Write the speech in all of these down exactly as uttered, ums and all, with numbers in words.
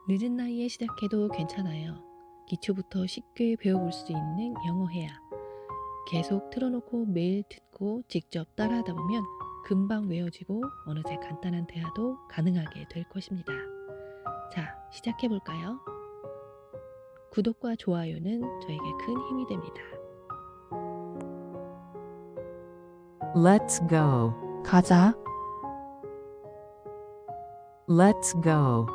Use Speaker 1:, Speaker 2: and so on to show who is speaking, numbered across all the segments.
Speaker 1: 늦은 나이에 시작해도 괜찮아요. 기초부터 쉽게 배워볼 수 있는 영어회화. 계속 틀어놓고 매일 듣고 직접 따라하다 보면 금방 외워지고 어느새 간단한 대화도 가능하게 될 것입니다. 자, 시작해볼까요? 구독과 좋아요는 저에게 큰 힘이 됩니다.
Speaker 2: Let's go.
Speaker 3: 가자.
Speaker 2: Let's go.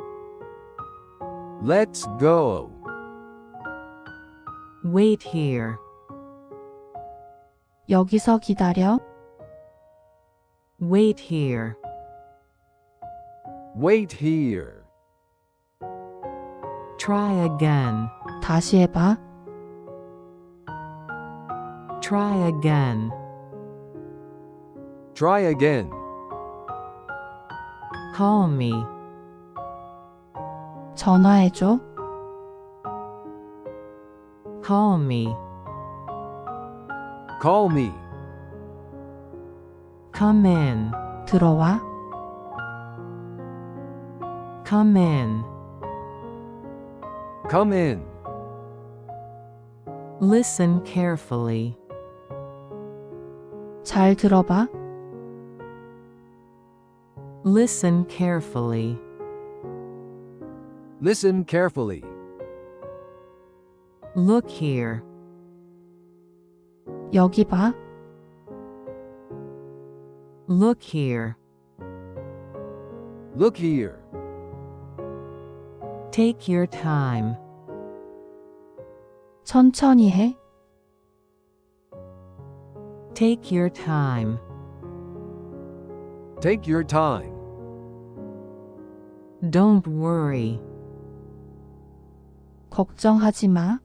Speaker 4: Let's go.
Speaker 2: Wait here.
Speaker 3: 여기서 기다려.
Speaker 2: Wait here.
Speaker 4: Wait here.
Speaker 2: Try again.
Speaker 3: 다시 해봐.
Speaker 2: Try again.
Speaker 4: Try again.
Speaker 2: Call me.
Speaker 3: 전화해줘.
Speaker 2: Call me.
Speaker 4: Call me.
Speaker 2: Come in.
Speaker 3: 들어와.
Speaker 2: Come in.
Speaker 4: Come in.
Speaker 2: Listen carefully.
Speaker 3: 잘 들어봐.
Speaker 2: Listen carefully.
Speaker 4: Listen carefully.
Speaker 2: Look here.
Speaker 3: 여기 봐.
Speaker 2: Look here.
Speaker 4: Look here.
Speaker 2: Take your time.
Speaker 3: 천천히 해.
Speaker 2: Take your time.
Speaker 4: Take your time.
Speaker 2: Don't worry.
Speaker 3: 걱정하지 마.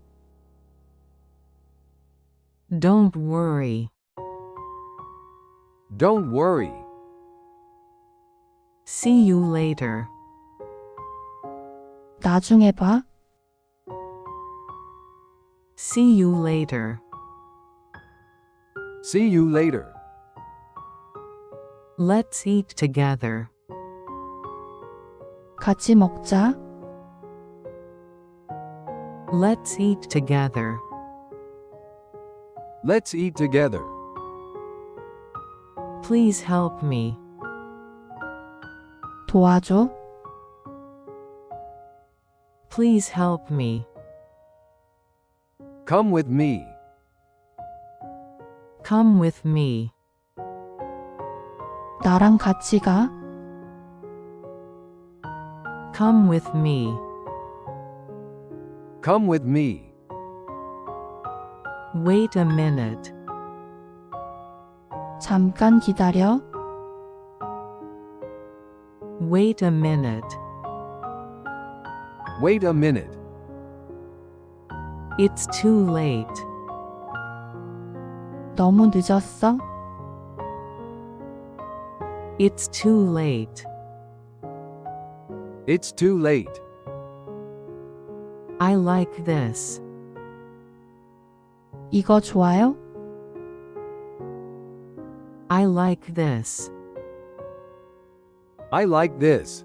Speaker 2: Don't worry.
Speaker 4: Don't worry.
Speaker 2: See you later.
Speaker 3: 나중에 봐.
Speaker 2: See you later.
Speaker 4: See you later.
Speaker 2: Let's eat together.
Speaker 3: 같이 먹자.
Speaker 2: Let's eat together.
Speaker 4: Let's eat together.
Speaker 2: Please help me.
Speaker 3: 도와줘.
Speaker 2: Please help me.
Speaker 4: Come with me.
Speaker 2: Come with me.
Speaker 3: 나랑 같이 가.
Speaker 2: Come with me.
Speaker 4: Come with me.
Speaker 2: Wait a minute.
Speaker 3: 잠깐 기다려.
Speaker 2: Wait a minute.
Speaker 4: Wait a minute.
Speaker 2: It's too late.
Speaker 3: 너무 늦었어.
Speaker 2: It's too late.
Speaker 4: It's too late.
Speaker 2: I like this.
Speaker 3: 이거 좋아요?
Speaker 2: I like this.
Speaker 4: I like this.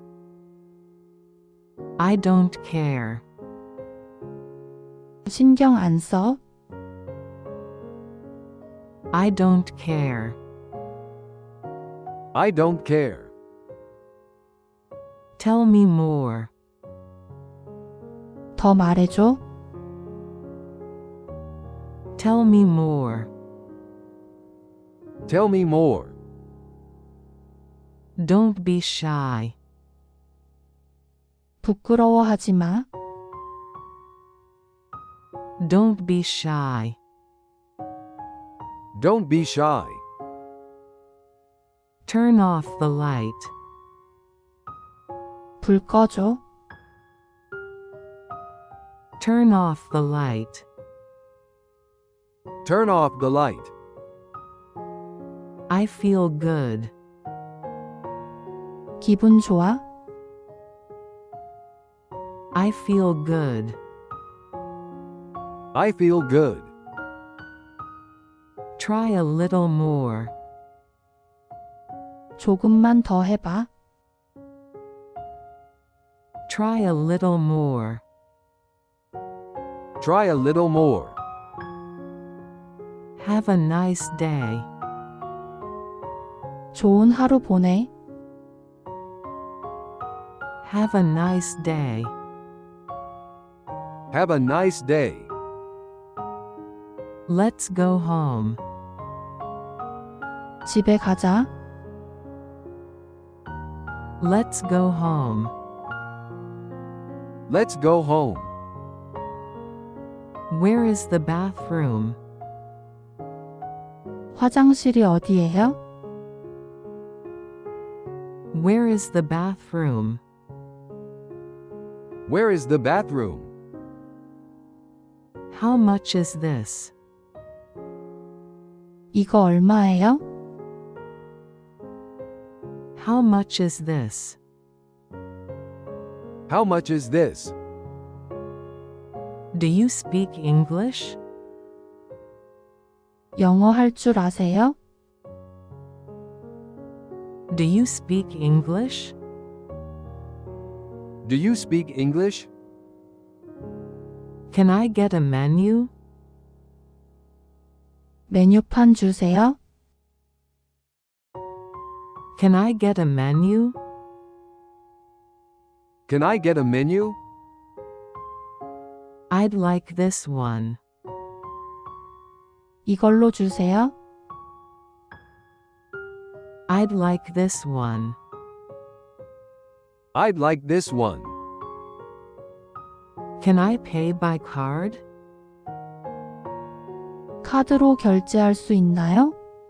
Speaker 2: I don't care.
Speaker 3: 신경 안 써.
Speaker 2: I don't care.
Speaker 4: I don't care.
Speaker 2: Tell me more.
Speaker 3: 더 말해줘.
Speaker 2: Tell me more.
Speaker 4: Tell me more.
Speaker 2: Don't be shy.
Speaker 3: 부끄러워하지 마.
Speaker 2: Don't be shy.
Speaker 4: Don't be shy.
Speaker 2: Turn off the light.
Speaker 3: 불 꺼줘.
Speaker 2: Turn off the light.
Speaker 4: Turn off the light.
Speaker 2: I feel good.
Speaker 3: 기분 좋아?
Speaker 2: I feel good.
Speaker 4: I feel good.
Speaker 2: Try a little more.
Speaker 3: 조금만 더 해봐.
Speaker 2: Try a little more.
Speaker 4: Try a little more.
Speaker 2: Have a nice day.
Speaker 3: 좋은 하루 보내.
Speaker 2: Have a nice day.
Speaker 4: Have a nice day.
Speaker 2: Let's go home.
Speaker 3: 집에 가자.
Speaker 2: Let's go home.
Speaker 4: Let's go home.
Speaker 2: Where is the bathroom?
Speaker 3: 화장실이 어디예요?
Speaker 2: Where is the bathroom?
Speaker 4: Where is the bathroom?
Speaker 2: How much is this?
Speaker 3: 이거 얼마예요?
Speaker 2: How much is this?
Speaker 4: How much is this?
Speaker 2: Do you speak English?
Speaker 3: 영어 할 줄 아세요?
Speaker 2: Do you speak English?
Speaker 4: Do you speak English?
Speaker 2: Can I get a menu?
Speaker 3: 메뉴판 주세요.
Speaker 2: Can I get a menu?
Speaker 4: Can I get a menu?
Speaker 2: I'd like this one.
Speaker 3: 이걸로 주세요.
Speaker 2: I'd like this one.
Speaker 4: I'd like this one.
Speaker 2: Can I pay by card?
Speaker 3: 카드로 결제할 수 있나요?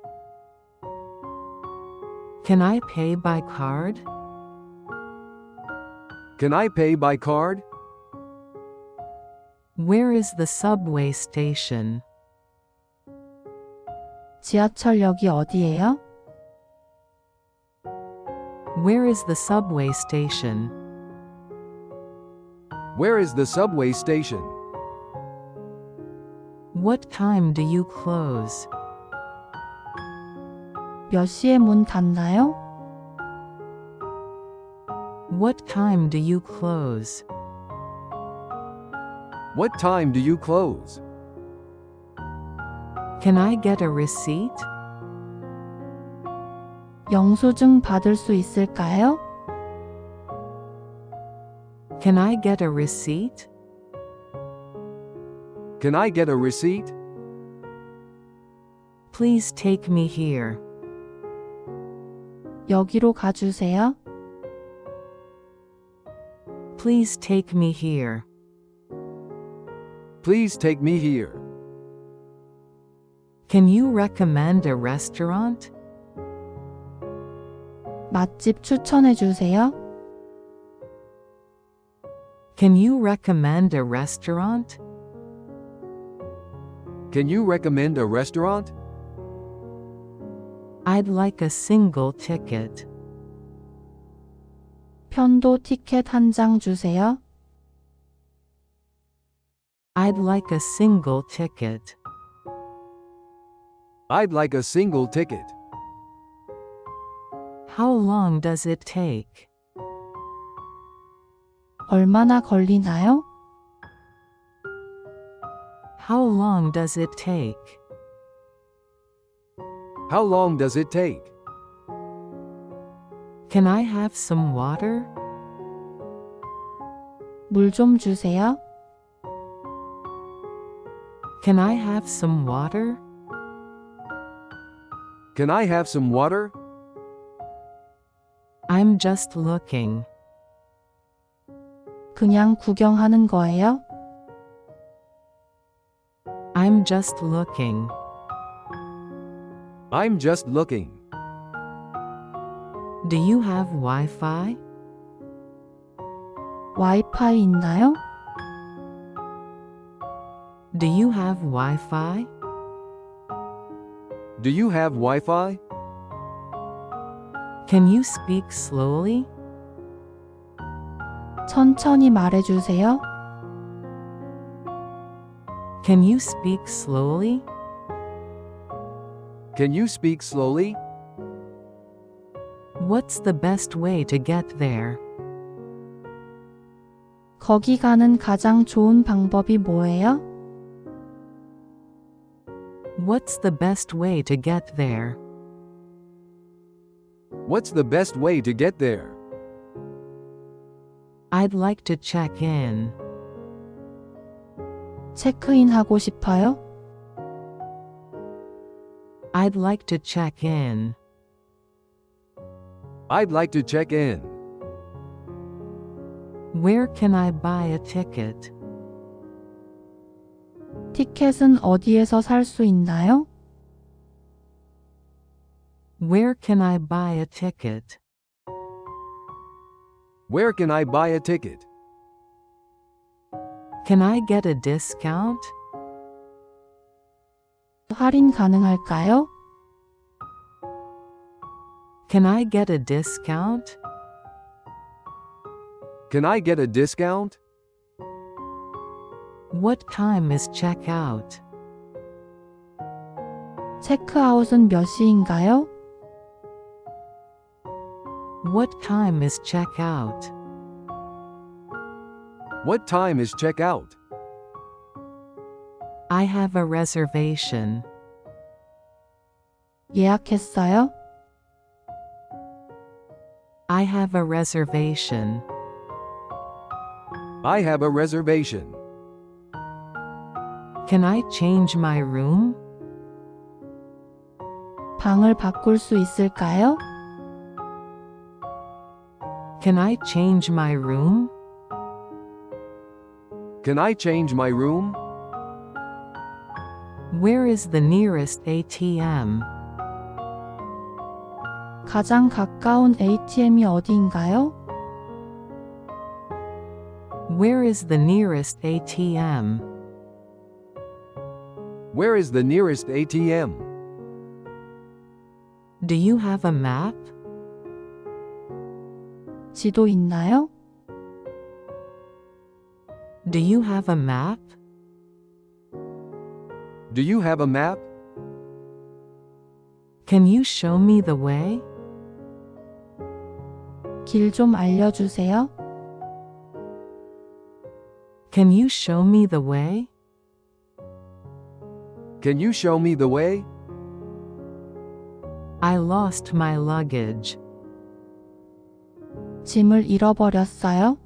Speaker 2: Can I pay by card?
Speaker 4: Can I pay by card?
Speaker 2: Where is the subway station?
Speaker 3: 지하철역이 어디예요?
Speaker 2: Where is the subway station?
Speaker 4: Where is the subway station?
Speaker 2: What time do you close?
Speaker 3: 몇 시에 문 닫나요?
Speaker 2: What time do you close?
Speaker 4: What time do you close?
Speaker 2: Can I get a receipt?
Speaker 3: 영수증 받을 수 있을까요?
Speaker 2: Can I get a receipt?
Speaker 4: Can I get a receipt?
Speaker 2: Please take me here.
Speaker 3: 여기로 가주세요.
Speaker 2: Please take me here.
Speaker 4: Please take me here.
Speaker 2: Can you recommend a restaurant?
Speaker 3: 맛집 추천해 주세요.
Speaker 2: Can you recommend a restaurant?
Speaker 4: Can you recommend a restaurant?
Speaker 2: I'd like a single ticket.
Speaker 3: 편도 티켓 한 장 주세요.
Speaker 2: I'd like a single ticket.
Speaker 4: I'd like a single ticket.
Speaker 2: How long does it take?
Speaker 3: 얼마나 걸리나요?
Speaker 2: How long does it take?
Speaker 4: How long does it take?
Speaker 2: Can I have some water?
Speaker 3: 물 좀 주세요.
Speaker 2: Can I have some water?
Speaker 4: Can I have some water?
Speaker 2: I'm just looking.
Speaker 3: 그냥 구경하는 거예요?
Speaker 2: I'm just looking.
Speaker 4: I'm just looking.
Speaker 2: Do you have Wi-Fi?
Speaker 3: 와이파이 있나요?
Speaker 2: Do you have Wi-Fi?
Speaker 4: Do you have Wi-Fi?
Speaker 2: Can you speak slowly?
Speaker 3: 천천히 말해 주세요.
Speaker 2: Can you speak slowly?
Speaker 4: Can you speak slowly?
Speaker 2: What's the best way to get there?
Speaker 3: 거기 가는 가장 좋은 방법이 뭐예요?
Speaker 2: What's the best way to get there?
Speaker 4: What's the best way to get there?
Speaker 2: I'd like to check in.
Speaker 3: 체크인 하고 싶어요?
Speaker 2: I'd like to check in.
Speaker 4: I'd like to check in.
Speaker 2: Where can I buy a ticket?
Speaker 3: 티켓은 어디에서 살 수 있나요?
Speaker 2: Where can I buy a ticket?
Speaker 4: Where can I buy a ticket?
Speaker 2: Can I get a discount?
Speaker 3: 할인 가능할까요?
Speaker 2: Can I get a discount?
Speaker 4: Can I get a discount?
Speaker 2: What time is checkout?
Speaker 3: 체크아웃은 몇 시인가요?
Speaker 2: What time is checkout?
Speaker 4: What time is checkout?
Speaker 2: I have a reservation.
Speaker 3: 예약했어요?
Speaker 2: I have a reservation.
Speaker 4: I have a reservation.
Speaker 2: Can I change my room?
Speaker 3: 방을 바꿀 수 있을까요?
Speaker 2: Can I change my room?
Speaker 4: Can I change my room?
Speaker 2: Where is the nearest A T M?
Speaker 3: 가장 가까운 에이티엠이 어디인가요?
Speaker 2: Where is the nearest A T M?
Speaker 4: Where is the nearest A T M?
Speaker 2: Do you have a map?
Speaker 3: 지도 있나요?
Speaker 2: Do you have a map?
Speaker 4: Do you have a map?
Speaker 2: Can you show me the way?
Speaker 3: 길 좀 알려주세요.
Speaker 2: Can you show me the way?
Speaker 4: Can you show me the way?
Speaker 2: I lost my luggage.
Speaker 3: 짐을 잃어버렸어요?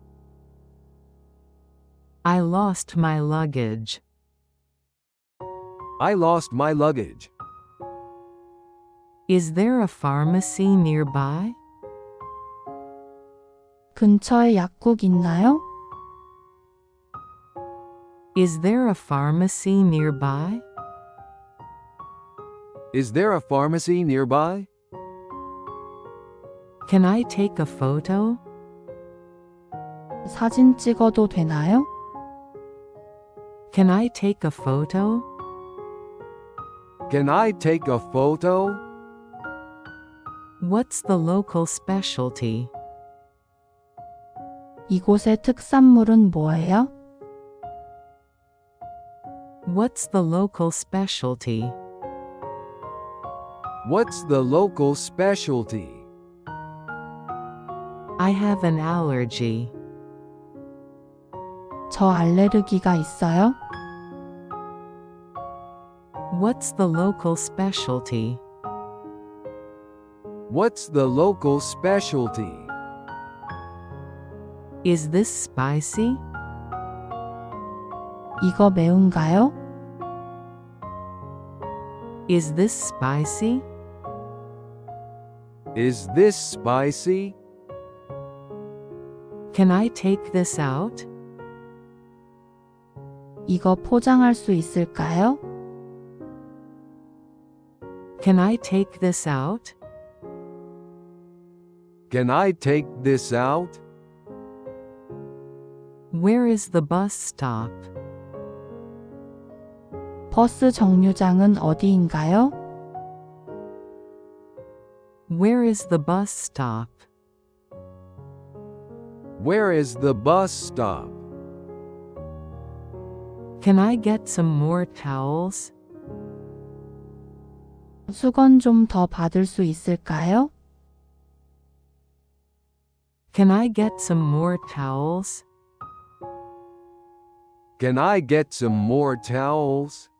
Speaker 2: I lost my luggage.
Speaker 4: I lost my luggage.
Speaker 2: Is there a pharmacy nearby?
Speaker 3: 근처에 약국 있나요?
Speaker 2: Is there a pharmacy nearby?
Speaker 4: Is there a pharmacy nearby?
Speaker 2: Can I take a photo?
Speaker 3: 사진 찍어도 되나요?
Speaker 2: Can I take a photo?
Speaker 4: Can I take a photo?
Speaker 2: What's the local specialty?
Speaker 3: 이곳의 특산물은 뭐예요?
Speaker 2: What's the local specialty?
Speaker 4: What's the local specialty?
Speaker 2: I have an allergy.
Speaker 3: 저 알레르기가 있어요?
Speaker 2: What's the local specialty?
Speaker 4: What's the local specialty?
Speaker 2: Is this spicy?
Speaker 3: 이거 매운가요?
Speaker 2: Is this spicy?
Speaker 4: Is this spicy?
Speaker 2: Can I take this out?
Speaker 3: 이거 포장할 수 있을까요?
Speaker 2: Can I take this out?
Speaker 4: Can I take this out?
Speaker 2: Where is the bus stop?
Speaker 3: 버스 정류장은 어디인가요?
Speaker 2: Where is the bus stop?
Speaker 4: Where is the bus stop?
Speaker 2: Can I get some more towels?
Speaker 3: 수건 좀 더 받을 수 있을까요?
Speaker 2: Can I get some more towels?
Speaker 4: Can I get some more towels?